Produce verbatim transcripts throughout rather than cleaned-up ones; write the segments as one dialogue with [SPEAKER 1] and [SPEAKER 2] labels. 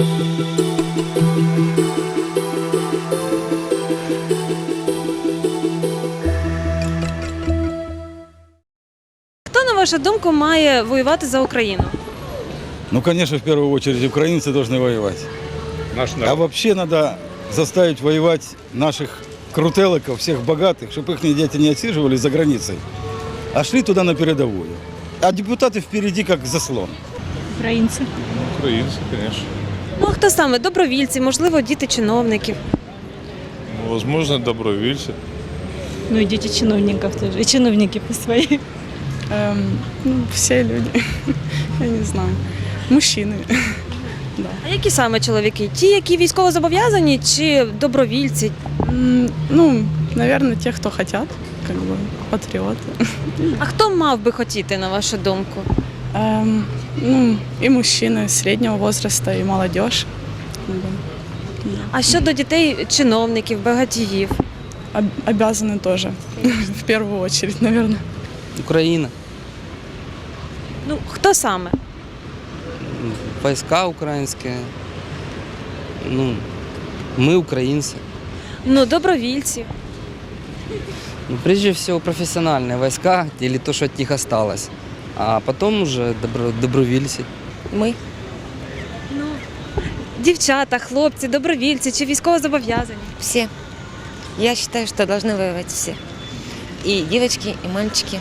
[SPEAKER 1] Хто, на вашу думку, має воювати за Україну?
[SPEAKER 2] Ну, конечно, в первую очередь украинцы должны воевать.
[SPEAKER 3] Наш
[SPEAKER 2] А
[SPEAKER 3] народ.
[SPEAKER 2] вообще надо заставить воевать наших крутелоков, всех богатых, чтобы их дети не отсиживали за границей, а шли туда на передовую. А депутаты впереди как заслон.
[SPEAKER 4] Українці.
[SPEAKER 3] Українці, звісно.
[SPEAKER 1] Ну, а хто саме? Добровільці, можливо, діти чиновників.
[SPEAKER 3] Ну, возможно, добровольці.
[SPEAKER 4] Ну и дети чиновников тоже, и чиновники по свои.
[SPEAKER 5] Эм, ну, все люди, я не знаю, мужчины. Да.
[SPEAKER 1] А які саме чоловіки? Ті, які військовозобов'язані, чи добровільці?
[SPEAKER 5] М, Ну, наверное, те, кто хотят, как бы, патриоты.
[SPEAKER 1] А хто мав би хотіти, на вашу думку?
[SPEAKER 5] Эм, Ну, и мужчины среднего возраста, и молодежь. Как бы,
[SPEAKER 1] А щодо дітей чиновників, багатіїв?
[SPEAKER 5] об- Обязаны тоже, в первую очередь, наверное.
[SPEAKER 6] Украина,
[SPEAKER 1] Ну, хто саме?
[SPEAKER 6] войска украинские, ну, мы украинцы.
[SPEAKER 1] Ну, добровільці.
[SPEAKER 6] Ну, прежде всего профессиональные войска или то, что от них осталось, а потом уже добро, добровольцы.
[SPEAKER 7] Мы.
[SPEAKER 1] Ну, дівчата, хлопці, добровільці чи військовозобов'язані?
[SPEAKER 7] Все. Я считаю, что должны воевать все. И девочки, и мальчики.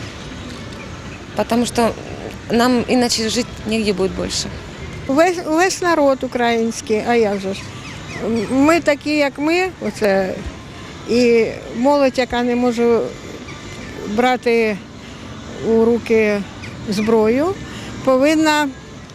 [SPEAKER 7] Потому что нам иначе жить негде будет больше.
[SPEAKER 8] Весь, весь народ український, а як же ж? Ми такі, як ми, оце, і молодь, яка не може брати у руки зброю, повинна,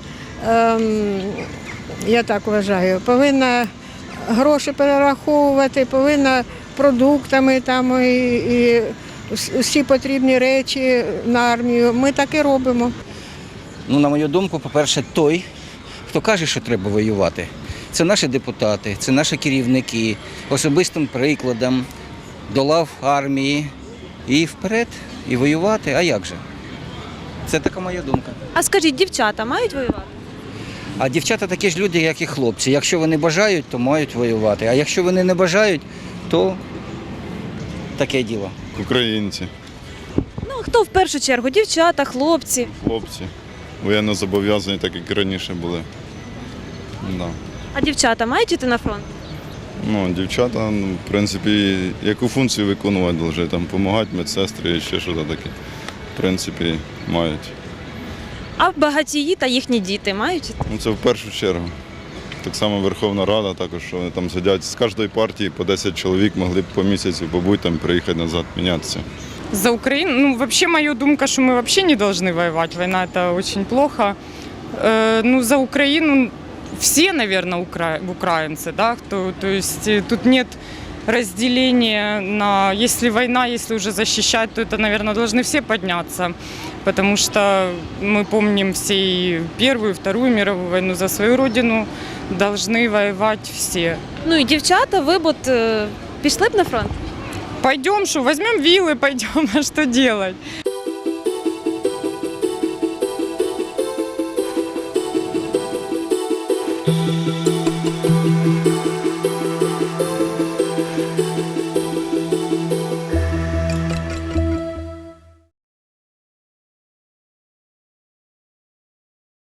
[SPEAKER 8] ем, я так вважаю, повинна гроші перераховувати, повинна продуктами там і, і всі потрібні речі на армію. Ми так і робимо.
[SPEAKER 9] Ну, на мою думку, по-перше, той, хто каже, що треба воювати, це наші депутати, це наші керівники, особистим прикладом до лав армії і вперед, і воювати, а як же? Це така моя думка.
[SPEAKER 1] А скажіть, дівчата мають воювати?
[SPEAKER 9] А дівчата такі ж люди, як і хлопці. Якщо вони бажають, то мають воювати. А якщо вони не бажають, то таке діло.
[SPEAKER 3] Українці,
[SPEAKER 1] Ну, хто в першу чергу? Дівчата, хлопці.
[SPEAKER 3] хлопці. Воєнно зобов'язані, так як і раніше були. Да.
[SPEAKER 1] А дівчата мають іти на фронт?
[SPEAKER 3] Ну, дівчата, ну, в принципі, яку функцію виконувати повинні, там, допомагати медсестри і ще щось таке. В принципі, мають.
[SPEAKER 1] А багатії та їхні діти мають іти?
[SPEAKER 3] Ну, це в першу чергу. Так само Верховна Рада, також, що вони там сидять. З кожної партії по десять чоловік могли б по місяці побути, там, приїхати назад, мінятися.
[SPEAKER 10] За Украину, ну вообще моя думка, что мы вообще не должны воевать. Война это очень плохо. Э, ну за Украину все, наверное, укра... украинцы, да, кто, то есть э, тут нет разделения на, если война, если уже защищать, то это, наверное, должны все подняться, потому что мы помним все и Первую, и Вторую мировую войну, за свою родину должны воевать все.
[SPEAKER 1] Ну і дівчата, ви б от, е, пішли б на фронт?
[SPEAKER 10] Пойдем, что возьмем вилы, пойдем, а что делать?
[SPEAKER 1] Thank you.